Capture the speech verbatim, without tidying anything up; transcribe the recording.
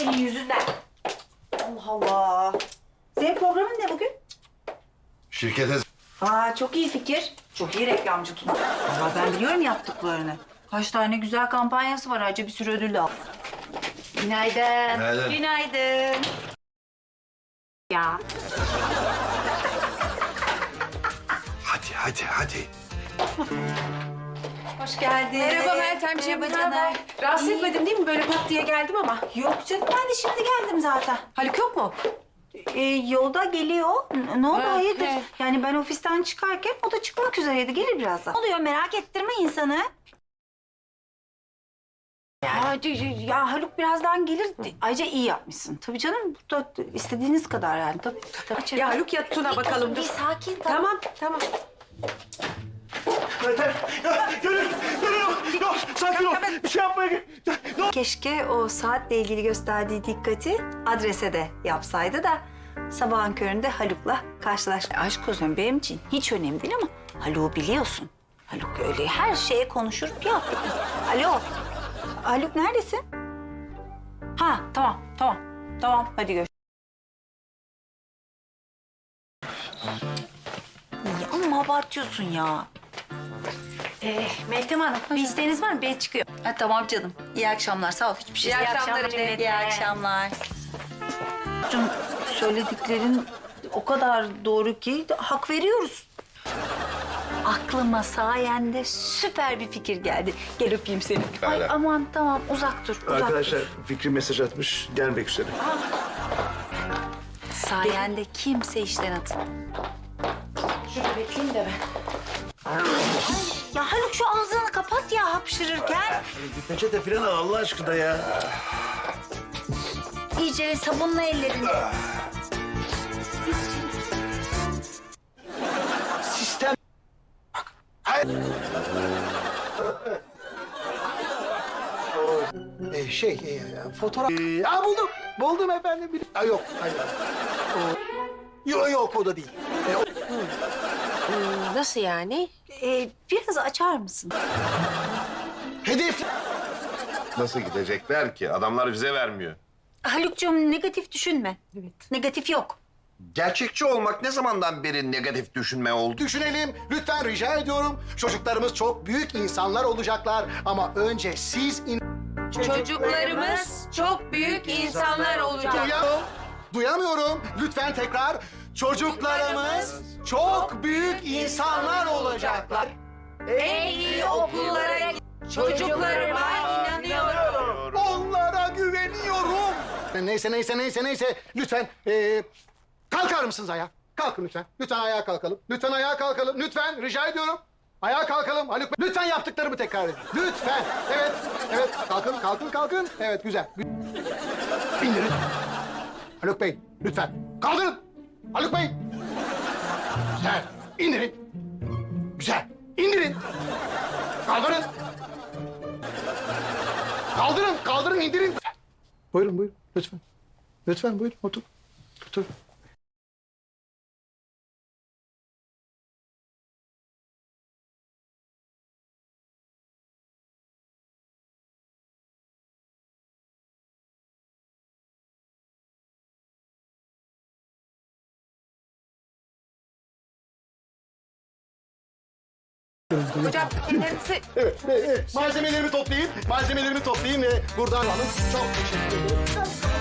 senin yüzünden. Allah Allah. Senin programın ne bugün? Şirkete... Aa, çok iyi fikir. Çok iyi reklamcı Tuna. Vallahi ben biliyorum yaptıklarını. Kaç tane güzel kampanyası var. Ayrıca bir sürü ödül de al. Günaydın. Günaydın. Günaydın. Ya. Hadi, hadi, hadi. Hoş geldin. Merhaba Meltemciğim. Merhaba ne haber? canım. Rahatsız İyi. etmedim değil mi? Böyle pat diye geldim ama. Yok canım, ben de şimdi geldim zaten. Haluk yok mu? Ee, yolda geliyor. N- Ne oldu, Ha, hayırdır? he. Yani ben ofisten çıkarken o da çıkmak üzereydi. Gelir birazdan. Ne oluyor, merak ettirme insanı. Ya, ya Haluk birazdan gelir. Ayrıca iyi yapmışsın. Tabii canım, burada istediğiniz kadar yani. Tabii, tabii. Ya Haluk ya Tuna bakalım. Bir Dur. sakin, tamam. Tamam, tamam. Yeter. Ya, gönül, gönül yok, yok. Sakin ol. Bir şey yapmaya... Ne Keşke o saatle ilgili gösterdiği dikkati adrese de yapsaydı da sabahın köründe Haluk'la karşılaş. Aşk olsun, benim için hiç önemli değil ama Haluk'u biliyorsun. Haluk öyle her şeye konuşur ya. Alo. Haluk neredesin? Ha, tamam, tamam. Tamam, hadi görüşürüz. Ya ama abartıyorsun ya. Ee, Meltem Hanım. Bir isteğiniz var mı? Ben çıkıyor. Ha, tamam canım. İyi akşamlar. Sağ ol. Hiçbir şey. İyi akşamlar İyi Emine. akşamlar. Canım, söylediklerin o kadar doğru ki hak veriyoruz. Aklıma sayende süper bir fikir geldi. Gel öpeyim seni. Ay Hala. aman tamam, uzak dur. Uzak Arkadaşlar dur. Fikri mesaj atmış. Gelmek üzere. Sayende kimse işten atın. Şurada bekleyeyim de ben. Ya Haluk, şu ağzını kapat ya hapşırırken. Bir peçete falan al Allah aşkına ya. İyice sabunla ellerini. Sistem... Ee, şey, e, fotoğraf... Ee, aa, buldum. Buldum efendim. Bir... Aa, yok, hayır. O... Yok, yok, o da değil. Ee, o... Nasıl yani? Ee, biraz açar mısın? Hedef... Nasıl gidecekler ki? Adamlar bize vermiyor. Haluk'cum, negatif düşünme. Evet. Negatif yok. Gerçekçi olmak ne zamandan beri negatif düşünme oldu? Düşünelim. Lütfen rica ediyorum. Çocuklarımız çok büyük insanlar olacaklar. Ama önce siz... In... Çocuklarımız çok büyük insanlar olacak. Duyamıyorum. Duyamıyorum. Lütfen tekrar. Çocuklarımız çok büyük insanlar olacaklar. En iyi okullara çocuklarıma inanıyorum. Onlara güveniyorum. Neyse, neyse, neyse, neyse. Lütfen ee, kalkar mısınız ayağa? Kalkın lütfen. Lütfen ayağa kalkalım. Lütfen ayağa kalkalım. Lütfen rica ediyorum. Ayağa kalkalım. Haluk Bey. Lütfen yaptıklarımı tekrar edin. Lütfen. Evet, evet. Kalkın, kalkın, kalkın. Evet, güzel. İndirin. Haluk Bey, lütfen. Kaldırın. Haluk Bey. Güzel. İndirin. Güzel. İndirin. Kaldırın. Kaldırın, kaldırın, indirin. Buyurun, buyurun. Lütfen. Lütfen buyurun, otur. Otur. Hocam ellerinizi... Evet, evet, evet. Malzemelerimi toplayayım, malzemelerimi toplayayım ve buradan alalım. Çok teşekkür ederim.